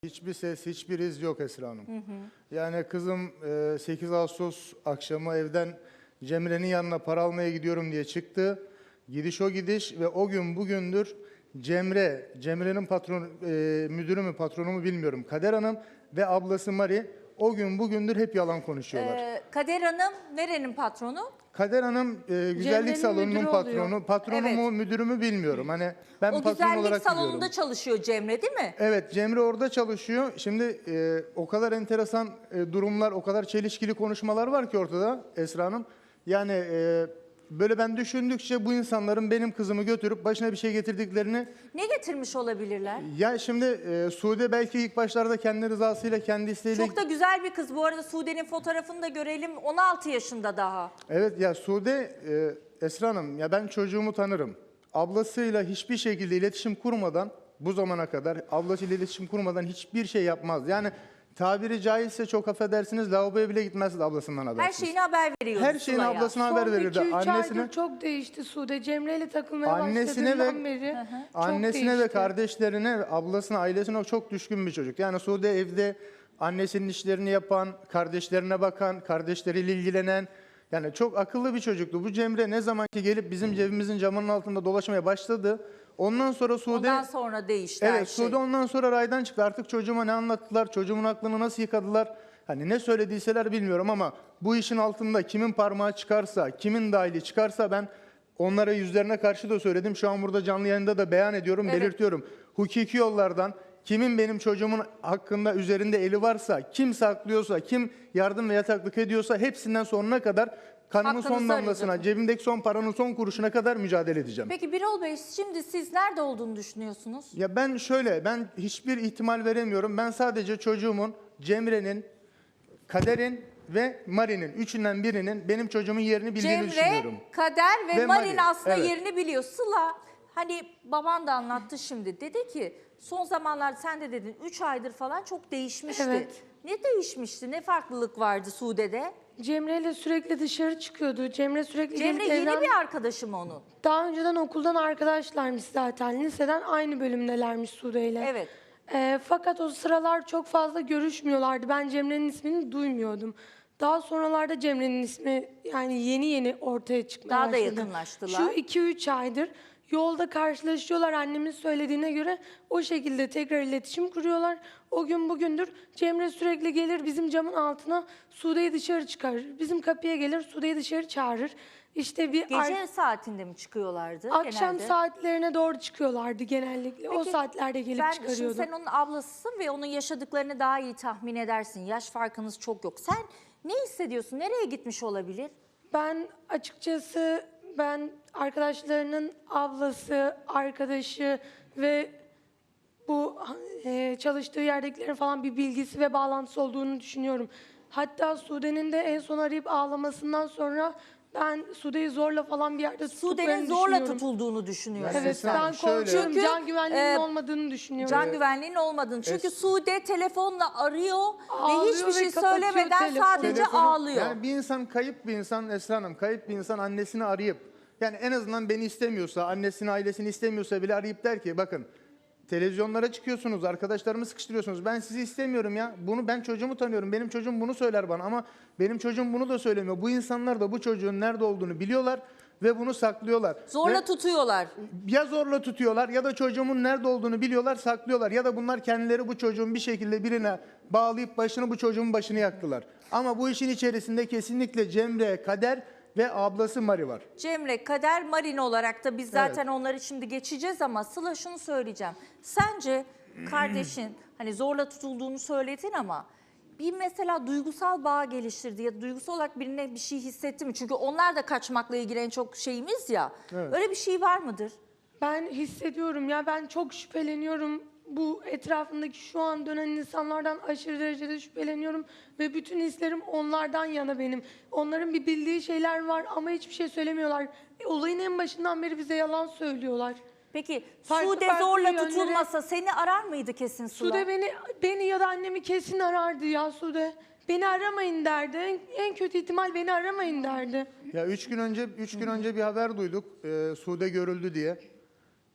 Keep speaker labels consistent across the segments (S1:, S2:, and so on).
S1: Hiçbir ses, hiçbir iz yok Esra Hanım. Yani kızım 8 Ağustos akşamı evden Cemre'nin yanına para almaya gidiyorum diye çıktı. Gidiş o gidiş ve o gün bugündür Cemre'nin müdürü mü patronu mu bilmiyorum. Kader Hanım ve ablası Mari o gün bugündür hep yalan konuşuyorlar.
S2: Kader Hanım nerenin patronu?
S1: Kader Hanım güzellik
S3: Cemre'nin
S1: salonunun
S3: müdürü
S1: patronu.
S3: oluyor.
S1: Patronu
S2: Evet.
S1: mu müdürü mü bilmiyorum. Hani ben
S2: O
S1: patron
S2: güzellik
S1: olarak
S2: salonunda
S1: biliyorum.
S2: çalışıyor Cemre değil mi?
S1: Evet, Cemre orada çalışıyor. Şimdi o kadar enteresan durumlar, o kadar çelişkili konuşmalar var ki ortada Esra Hanım. Yani böyle ben düşündükçe bu insanların benim kızımı götürüp başına bir şey getirdiklerini...
S2: Ne getirmiş olabilirler?
S1: Ya şimdi Sude belki ilk başlarda kendi rızasıyla, kendi isteğiyle...
S2: Çok da güzel bir kız. Bu arada Sude'nin fotoğrafını da görelim. 16 yaşında daha.
S1: Evet ya Sude, Esra Hanım ya ben çocuğumu tanırım. Ablasıyla hiçbir şekilde iletişim kurmadan bu zamana kadar ablasıyla iletişim kurmadan hiçbir şey yapmaz. Yani tabiri caizse çok affedersiniz lavaboya bile gitmezdi ablasından habersiz.
S2: Her şeyini haber veriyordu
S1: Her şeyini
S2: Sıla'ya.
S1: ablasına haber verirdi.
S3: Son 2-3
S1: Annesine,
S3: aydır çok değişti Sude. Cemre ile takılmaya
S1: Annesine
S3: başladığından
S1: ve-
S3: beri çok
S1: annesine ve
S3: değişti.
S1: kardeşlerine, ablasına, ailesine çok düşkün bir çocuk. Yani Sude evde annesinin işlerini yapan, kardeşlerine bakan, kardeşleriyle ilgilenen, yani çok akıllı bir çocuktu. Bu Cemre ne zaman ki gelip bizim cebimizin camının altında dolaşmaya başladı, ondan sonra Sude...
S2: Ondan sonra değişti her
S1: Evet,
S2: şey.
S1: Sude ondan sonra raydan çıktı. Artık çocuğuma ne anlattılar, çocuğumun aklını nasıl yıkadılar, hani ne söylediyseler bilmiyorum ama bu işin altında kimin parmağı çıkarsa, kimin dahili çıkarsa ben onlara yüzlerine karşı da söyledim. Şu an burada canlı yayında da beyan ediyorum,
S2: Evet.
S1: belirtiyorum. Hukuki yollardan kimin benim çocuğumun hakkında üzerinde eli varsa, kim saklıyorsa, kim yardım ve yataklık ediyorsa hepsinden sonuna kadar kanımın
S2: Hakkınızı
S1: son damlasına,
S2: arayacağım.
S1: cebimdeki son paranın son kuruşuna kadar mücadele edeceğim.
S2: Peki Birol Bey şimdi siz nerede olduğunu düşünüyorsunuz?
S1: Ya ben hiçbir ihtimal veremiyorum. Ben sadece çocuğumun, Cemre'nin, Kader'in ve Mari'nin, üçünden birinin benim çocuğumun yerini bildiğini düşünüyorum.
S2: Cemre, Kader ve
S1: Ve
S2: Marin
S1: Mari,
S2: aslında
S1: evet.
S2: yerini biliyor. Sıla hani baban da anlattı şimdi. Dedi ki son zamanlarda sen de dedin 3 aydır falan çok değişmişti.
S3: Evet.
S2: Ne değişmişti? Ne farklılık vardı Sude'de?
S3: Cemre ile sürekli dışarı çıkıyordu. Cemre sürekli
S2: Cemre
S3: gelip
S2: yeni
S3: evden...
S2: bir arkadaşım onun.
S3: Daha önceden okuldan arkadaşlarmış zaten. Liseden aynı bölümdelermiş Sude ile.
S2: Evet.
S3: Fakat o sıralar çok fazla görüşmüyorlardı. Ben Cemre'nin ismini duymuyordum. Daha sonralarda Cemre'nin ismi yani yeni ortaya çıkmaya
S2: Daha da
S3: başladı.
S2: yakınlaştılar.
S3: Şu 2-3 aydır yolda karşılaşıyorlar annemin söylediğine göre. O şekilde tekrar iletişim kuruyorlar. O gün bugündür Cemre sürekli gelir bizim camın altına Sude'yi dışarı çıkarır. Bizim kapıya gelir Sude'yi dışarı çağırır. İşte bir
S2: Gece saatinde mi çıkıyorlardı
S3: akşam
S2: genelde?
S3: saatlerine doğru çıkıyorlardı genellikle. O
S2: Peki,
S3: saatlerde gelip
S2: Şimdi
S3: çıkarıyordu.
S2: sen onun ablasısın ve onun yaşadıklarını daha iyi tahmin edersin. Yaş farkınız çok yok. Sen ne hissediyorsun? Nereye gitmiş olabilir?
S3: Ben açıkçası arkadaşlarının ablası, arkadaşı ve bu çalıştığı yerdekilerin falan bir bilgisi ve bağlantısı olduğunu düşünüyorum. Hatta Sude'nin de en son arayıp ağlamasından sonra ben Sude'yi zorla falan bir yerde tuttuklarını
S2: Sude'nin zorla
S3: düşünüyorum.
S2: tutulduğunu düşünüyorsun.
S1: Yani
S3: Evet,
S1: Esra Hanım,
S3: ben
S1: şöyle-
S3: korkuyorum.
S2: Çünkü,
S3: Can güvenliğinin
S2: e,
S3: olmadığını düşünüyorum.
S2: Can güvenliğinin olmadığını. Çünkü Sude telefonla arıyor ve
S3: Ağlıyor
S2: hiçbir
S3: ve
S2: şey
S3: kapatıyor
S2: söylemeden
S3: telefonu.
S2: sadece ağlıyor.
S1: Yani bir insan kayıp bir insan Esra Hanım, kayıp bir insan annesini arayıp yani en azından beni istemiyorsa, annesini, ailesini istemiyorsa bile arayıp der ki bakın televizyonlara çıkıyorsunuz, arkadaşlarımı sıkıştırıyorsunuz. Ben sizi istemiyorum ya. Bunu ben çocuğumu tanıyorum. Benim çocuğum bunu söyler bana ama benim çocuğum bunu da söylemiyor. Bu insanlar da bu çocuğun nerede olduğunu biliyorlar ve bunu saklıyorlar.
S2: Zorla
S1: Ve
S2: tutuyorlar.
S1: ya zorla tutuyorlar ya da çocuğumun nerede olduğunu biliyorlar, saklıyorlar. Ya da bunlar kendileri bu çocuğun bir şekilde birine bağlayıp bu çocuğun başını yaktılar. Ama bu işin içerisinde kesinlikle Cemre, Kader ve ablası Mari var.
S2: Cemre, Kader, Marin olarak da biz zaten onları şimdi geçeceğiz ama Sıla şunu söyleyeceğim. Sence kardeşin hani zorla tutulduğunu söyledin ama bir mesela duygusal bağ geliştirdi ya da duygusal olarak birine bir şey hissetti mi? Çünkü onlar da kaçmakla ilgili en çok şeyimiz ya.
S1: Evet.
S2: Öyle bir şey var mıdır?
S3: Ben hissediyorum ya, ben çok şüpheleniyorum. Bu etrafındaki şu an dönen insanlardan aşırı derecede şüpheleniyorum. Ve bütün hislerim onlardan yana benim. Onların bir bildiği şeyler var ama hiçbir şey söylemiyorlar. Olayın en başından beri bize yalan söylüyorlar.
S2: Peki
S3: Farklı
S2: Sude
S3: farklı
S2: zorla
S3: yönlere-
S2: tutulmasa seni arar mıydı kesin Sıla?
S3: Sude beni ya da annemi kesin arardı ya Sude. Beni aramayın derdi. En kötü ihtimal beni aramayın derdi.
S1: Ya üç gün önce bir haber duyduk. Sude görüldü diye.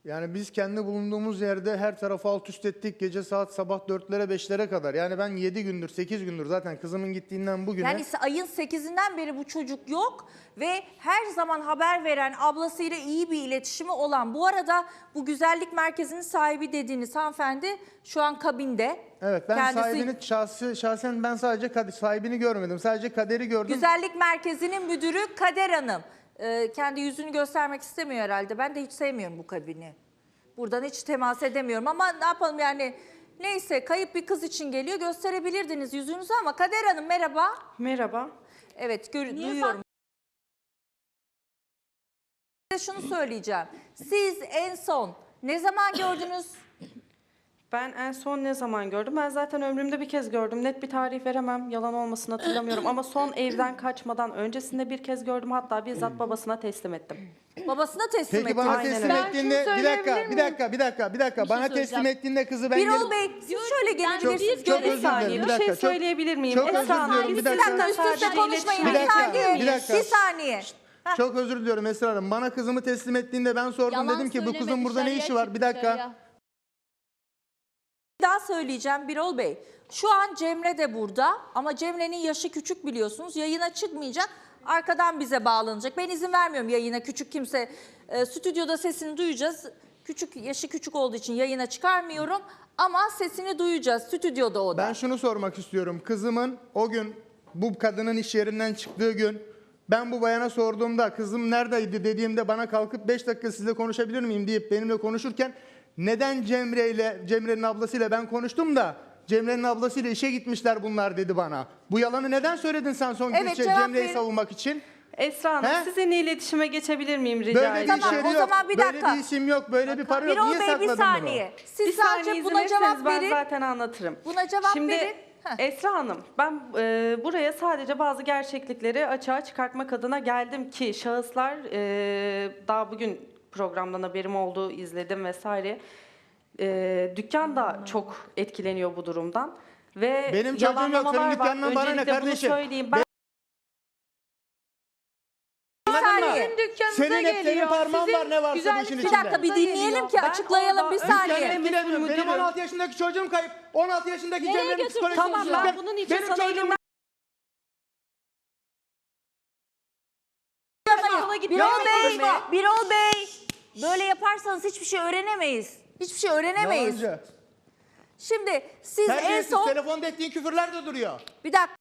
S1: Yani biz kendi bulunduğumuz yerde her tarafı alt üst ettik. Gece saat sabah 4'lere 5'lere kadar. Yani ben 7 gündür 8 gündür zaten kızımın gittiğinden bugüne.
S2: Yani ayın 8'inden beri bu çocuk yok ve her zaman haber veren, ablasıyla iyi bir iletişimi olan. Bu arada bu güzellik merkezinin sahibi dediğiniz hanımefendi şu an kabinde.
S1: Evet, ben
S2: Kendisi-
S1: sahibini şahsen ben sadece sahibini görmedim. Sadece Kader'i gördüm.
S2: Güzellik merkezinin müdürü Kader Hanım. Kendi yüzünü göstermek istemiyor herhalde. Ben de hiç sevmiyorum bu kabini. Buradan hiç temas edemiyorum ama ne yapalım yani. Neyse, kayıp bir kız için geliyor. Gösterebilirdiniz yüzünüzü ama Kader Hanım merhaba.
S4: Merhaba.
S2: Evet, duyuyorum. Size şunu söyleyeceğim. Siz en son ne zaman gördünüz?
S4: Ben en son ne zaman gördüm? Ben zaten ömrümde bir kez gördüm. Net bir tarih veremem. Yalan olmasını hatırlamıyorum. Ama son evden kaçmadan öncesinde bir kez gördüm. Hatta bizzat babasına teslim ettim.
S2: Babasına teslim
S1: Peki
S2: etti.
S1: bana
S4: Aynen
S1: teslim
S4: öyle.
S3: Ben
S1: ettiğinde
S3: şunu
S1: bir dakika,
S3: söyleyebilir
S1: bir dakika. Bana teslim
S5: söyleyeceğim.
S1: ettiğinde kızı ben
S2: Birol Bey siz şöyle gelebilirsiniz.
S1: çok özür
S2: Görün.
S1: dilerim.
S4: Bir
S1: dakika,
S4: şey
S1: çok-
S4: söyleyebilir miyim?
S1: çok özür
S4: Esra Hanım,
S1: diliyorum,
S4: biz
S1: bir
S2: Bir
S1: dakika.
S2: dakika üst üste
S4: sadece
S2: konuşmayın.
S1: Bir
S2: Bir
S1: dakika,
S2: saniye.
S1: bir dakika.
S2: Bir saniye. Heh.
S1: Çok özür diliyorum Esra Hanım. Bana kızımı teslim ettiğinde ben sordum,
S5: Yalan
S1: dedim ki bu
S5: söyleme,
S1: kızın burada ne
S5: dışarıya
S1: işi var?
S5: çık
S1: Bir dakika.
S5: dışarıya.
S2: Bir daha söyleyeceğim Birol Bey. Şu an Cemre de burada ama Cemre'nin yaşı küçük biliyorsunuz. Yayına çıkmayacak. Arkadan bize bağlanacak. Ben izin vermiyorum yayına küçük kimse. Stüdyoda sesini duyacağız. Yaşı küçük olduğu için yayına çıkarmıyorum. Ama sesini duyacağız stüdyoda o da.
S1: Ben şunu sormak istiyorum. Kızımın o gün bu kadının iş yerinden çıktığı gün ben bu bayana sorduğumda kızım neredeydi dediğimde bana kalkıp 5 dakika sizle konuşabilir miyim deyip benimle konuşurken neden Cemre'nin ablasıyla ben konuştum da Cemre'nin ablasıyla işe gitmişler bunlar dedi bana. Bu yalanı neden söyledin sen son
S2: Evet,
S1: gün
S2: cevap
S1: Cemre'yi
S2: verin.
S1: savunmak için?
S4: Esra Hanım,
S1: He?
S4: sizinle iletişime geçebilir miyim rica
S1: Böyle bir
S4: edeceğim?
S2: Tamam,
S1: iş yeri
S2: o
S1: yok.
S2: zaman bir
S1: Böyle
S2: dakika.
S1: bir isim yok. Böyle bir para yok.
S2: Birol
S1: Niye
S2: Bey
S1: sakladın
S2: bir saniye. Siz
S4: Bir saniye
S2: sadece
S4: izin
S2: buna
S4: verirseniz
S2: cevap
S4: ben
S2: verin.
S4: zaten anlatırım.
S2: Buna cevap
S4: Şimdi,
S2: verin. Heh.
S4: Esra Hanım, ben buraya sadece bazı gerçeklikleri açığa çıkartmak adına geldim ki şahıslar daha bugün programdan haberim oldu, izledim vesaire. Dükkan da çok etkileniyor bu durumdan. Ve
S1: Benim çocuğum yok, senin
S4: yalanlamalar var.
S1: dükkanından bana ne
S4: Öncelikle bunu
S1: kardeşim?
S4: söyleyeyim. Ben
S1: Anladın mı?
S3: Sizin dükkanınıza
S1: Senin hep senin
S3: geliyor.
S1: parmağın
S3: Sizin
S1: var ne varsa bu
S3: güzellik
S1: işin
S2: Bir
S1: içinde.
S2: dakika bir dinleyelim ki
S4: Ben
S2: açıklayalım bir
S4: orada-
S2: saniye.
S1: Ben bilemiyorum. Benim
S4: müdürüm.
S1: 16 yaşındaki çocuğum kayıp. 16 yaşındaki
S5: Nereye
S1: Cemre'nin
S5: götürdün
S1: psikolojisi
S4: Tamam,
S1: bozuk.
S4: ben bunun için
S1: Benim
S4: sana
S1: çocuğum
S4: elimden
S2: Birol Bey, böyle yaparsanız hiçbir şey öğrenemeyiz. Hiçbir şey öğrenemeyiz.
S1: yalancı.
S2: Şimdi siz en
S1: Terbiyesiz,
S2: son
S1: telefonda ettiğin küfürler de duruyor.
S2: bir dakika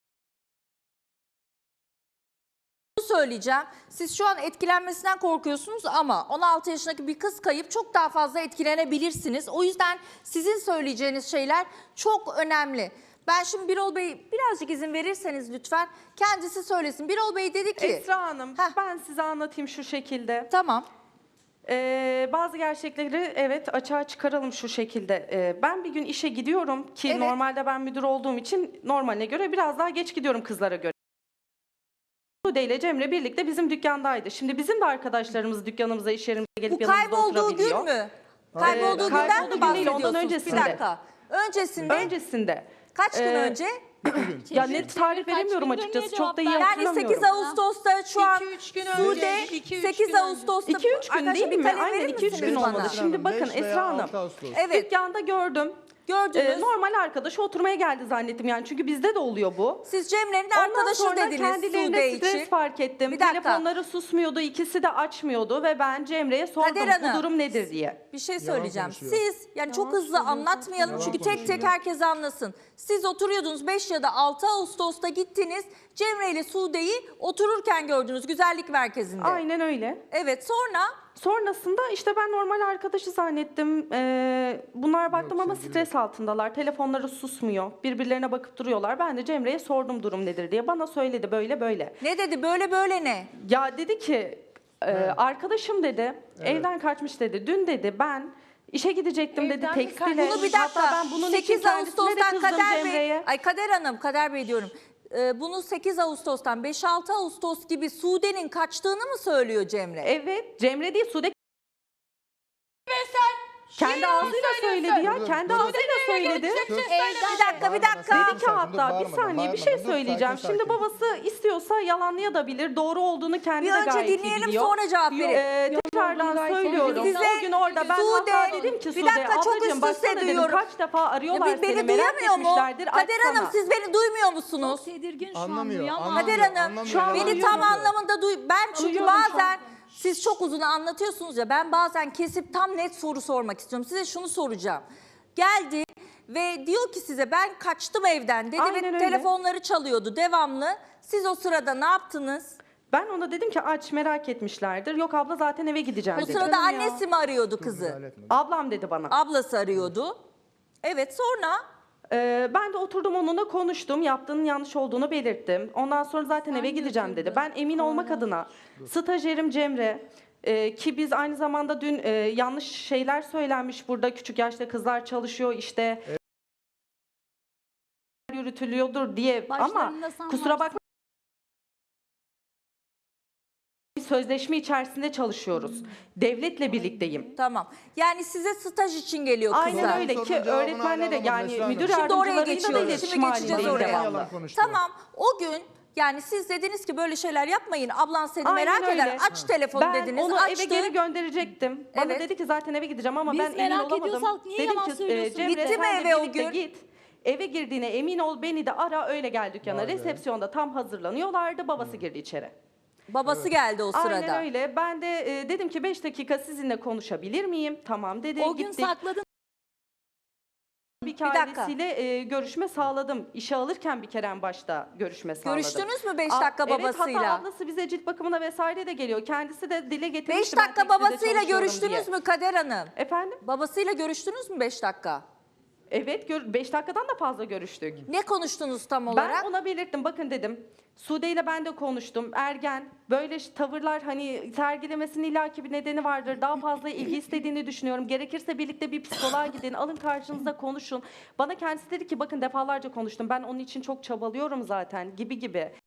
S2: söyleyeceğim. Siz şu an etkilenmesinden korkuyorsunuz ama 16 yaşındaki bir kız kayıp, çok daha fazla etkilenebilirsiniz. O yüzden sizin söyleyeceğiniz şeyler çok önemli. Ben şimdi Birol Bey birazcık izin verirseniz lütfen kendisi söylesin. Birol Bey dedi ki
S4: Esra Hanım,
S2: Heh.
S4: ben size anlatayım şu şekilde.
S2: tamam.
S4: Bazı gerçekleri evet açığa çıkaralım şu şekilde. Ben bir gün işe gidiyorum ki
S2: Evet.
S4: normalde ben müdür olduğum için normaline göre biraz daha geç gidiyorum kızlara göre. Sude ile Cemre birlikte bizim dükkandaydı. Şimdi bizim de arkadaşlarımız dükkanımıza, iş yerimize gelip
S2: Bu
S4: yanımızda
S2: kaybolduğu gün
S4: oturabiliyor.
S2: mü? Kaybolduğu günden
S4: kaybolduğu
S2: mi
S4: gün değil, ondan
S2: bahsediyorsunuz?
S4: öncesinde.
S2: Bir dakika. Öncesinde
S4: Öncesinde.
S2: kaç gün önce?
S4: Ya net tarih
S5: Kaç
S4: veremiyorum
S5: gündür
S4: açıkçası.
S5: niye
S4: Çok da iyi
S5: cevap
S2: Yani
S4: hatırlamıyorum.
S2: 8 Ağustos'ta şu an
S3: 2-3 gün
S2: Sude
S3: önce, 2-3
S2: 8
S3: gün önce.
S2: Ağustos'ta
S4: 2-3 gün
S2: Arkadaşlar
S4: değil
S2: bir
S4: mi?
S2: kalem
S4: Aynen
S2: verir
S4: 2-3 gün
S2: misiniz
S4: olmadı.
S2: bana?
S4: Şimdi bakın
S1: 5 veya
S4: Esra Hanım.
S1: 6 Ağustos.
S2: Evet
S4: Dükkanda gördüm.
S2: gördünüz.
S4: Normal arkadaşı oturmaya geldi zannettim yani çünkü bizde de oluyor bu.
S2: Siz Cemre'nin
S4: Ondan
S2: arkadaşı
S4: sonra
S2: dediniz Sude
S4: kendilerine stres
S2: için.
S4: fark ettim.
S2: Bir dakika.
S4: Telefonları susmuyordu, ikisi de açmıyordu ve ben Cemre'ye sordum
S2: Kader Hanım,
S4: bu durum nedir diye.
S2: Bir şey söyleyeceğim.
S1: konuşuyor.
S2: Siz yani çok hızlı anlatmayalım çünkü tek tek herkes anlasın. Siz oturuyordunuz 5 ya da 6 Ağustos'ta gittiniz. Cemre ile Sude'yi otururken gördünüz güzellik merkezinde.
S4: Aynen öyle.
S2: Evet sonra
S4: Sonrasında işte ben normal arkadaşı zannettim. Bunlar baktım ama stres altındalar. Telefonları susmuyor. Birbirlerine bakıp duruyorlar. Ben de Cemre'ye sordum durum nedir diye. Bana söyledi böyle böyle.
S2: ne dedi böyle böyle ne?
S4: Ya dedi ki arkadaşım dedi evden kaçmış dedi. Dün dedi ben işe gidecektim dedi
S3: Evden mi
S4: tekstile.
S2: Bunu bir dakika.
S4: Hatta ben bunun için
S2: 8
S4: kendisine de
S2: Ağustos'tan
S4: kızdım
S2: Kader Bey.
S4: Cemre'ye.
S2: Ay Kader Hanım, Kader Bey diyorum. Bunu 8 Ağustos'tan 5-6 Ağustos gibi Sude'nin kaçtığını mı söylüyor Cemre?
S4: Evet Cemre değil Sude. Kendi ağzıyla söyledi ya.
S1: Dur,
S4: Kendi
S1: dur, dur.
S4: ağzıyla söyledi.
S2: Bir dakika.
S4: Dedi ki hatta bir saniye bir şey söyleyeceğim. Şimdi babası istiyorsa yalanlayabilir. Doğru olduğunu kendi
S2: Bir
S4: de
S2: önce
S4: gayet iyi
S2: dinleyelim,
S4: biliyor.
S2: sonra cevap verin.
S4: Tekrardan söylüyorum.
S2: Size
S4: O gün orada ben
S2: Sude,
S4: hatta dedim ki
S2: bir
S4: Sude
S2: dakika, çok
S4: ablacığım
S2: üst
S4: baksana
S2: üste
S4: dedim
S2: duyuyorum.
S4: kaç defa arıyorlar
S2: Ya
S4: seni
S2: beni
S4: merak
S2: duyamıyor mu?
S4: etmişlerdir.
S2: Kader Hanım
S4: açsana.
S2: siz beni duymuyor musunuz?
S5: Tedirgin şu an
S1: Anlamıyor,
S5: duyamam.
S1: anlamıyor.
S2: Kader Hanım
S1: Anlamıyor,
S2: şu an
S1: yalan
S2: beni tam
S1: söylüyor.
S2: anlamında ben çünkü
S4: Duyuyorum şu
S2: bazen
S4: an.
S2: siz çok uzun anlatıyorsunuz ya, ben bazen kesip tam net soru sormak istiyorum. Size şunu soracağım. Geldi ve diyor ki size ben kaçtım evden dedi
S4: Aynen
S2: ve
S4: öyle.
S2: telefonları çalıyordu devamlı. Siz o sırada ne yaptınız?
S4: Ben ona dedim ki aç merak etmişlerdir. Yok abla zaten eve gideceğim
S2: O
S4: dedim.
S2: sırada annesi mi arıyordu kızı?
S1: Müdahale etme.
S4: Ablam dedi bana.
S2: Ablası arıyordu. Evet, sonra
S4: Ben de oturdum onunla konuştum. Yaptığının yanlış olduğunu belirttim. Ondan sonra zaten eve gideceğim dedi. Ben emin olmak adına stajyerim Cemre ki biz aynı zamanda dün yanlış şeyler söylenmiş burada. Küçük yaşta kızlar çalışıyor işte. Yürütülüyordur diye ama
S5: Başlarında sen
S4: kusura
S5: varsın.
S4: bakma. Bir sözleşme içerisinde çalışıyoruz. Devletle birlikteyim.
S2: tamam. Yani size staj için geliyor kızlar.
S4: Aynen öyle
S1: Sorunun
S4: ki
S1: cevabını
S4: öğretmenle de
S1: hala
S4: yani
S1: alamadım Esra
S4: müdür
S1: Hanım.
S2: Şimdi oraya
S4: yardımcılarıyla da
S2: geçiyoruz.
S4: iletişim
S2: Şimdi geçeceğiz
S4: halindeyim
S2: oraya.
S4: devamlı.
S1: Yalan konuştu.
S2: Tamam, o gün yani siz dediniz ki böyle şeyler yapmayın. Ablan seni
S4: Aynen
S2: merak eder.
S4: öyle.
S2: Aç telefonu
S4: Ben
S2: dediniz.
S4: onu
S2: Açtı.
S4: eve geri gönderecektim. Bana
S2: Evet.
S4: dedi ki zaten eve gideceğim ama
S5: Biz
S4: ben emin
S5: merak
S4: olamadım.
S5: ediyorsak niye
S4: Dedim
S5: yalan
S4: ki
S5: söylüyorsun?
S4: Cemre
S2: Gitti mi
S4: sen de
S2: eve o
S4: birlikte
S2: gün?
S4: git. Eve girdiğine emin ol beni de ara öyle gel dükkana.
S1: Vay be.
S4: Resepsiyonda tam hazırlanıyorlardı. Babası girdi içeri.
S2: Babası geldi o sırada.
S4: Aynen öyle. Ben de dedim ki 5 dakika sizinle konuşabilir miyim? Tamam dedi.
S5: O gün
S4: Gittik.
S5: sakladın.
S4: Bir
S2: dakika.
S4: ailesiyle görüşme sağladım. İşe alırken bir kere en başta görüşme sağladım.
S2: Görüştünüz mü 5 dakika
S4: Evet,
S2: babasıyla?
S4: hatta ablası bize cilt bakımına vesaire de geliyor. Kendisi de dile
S2: 5
S4: getirmişti. ben
S2: dakika
S4: tekstilde
S2: babasıyla
S4: çalışıyorum
S2: görüştünüz
S4: diye.
S2: mü Kader Hanım?
S4: Efendim?
S2: Babasıyla görüştünüz mü 5 dakika?
S4: Evet 5 dakikadan da fazla görüştük.
S2: Ne konuştunuz tam olarak?
S4: Ben ona belirttim bakın dedim. Sude ile ben de konuştum. Ergen böyle tavırlar hani sergilemesinin illaki bir nedeni vardır. Daha fazla ilgi istediğini düşünüyorum. Gerekirse birlikte bir psikoloğa gidin. Alın karşınıza konuşun. Bana kendisi dedi ki bakın defalarca konuştum. Ben onun için çok çabalıyorum zaten gibi gibi.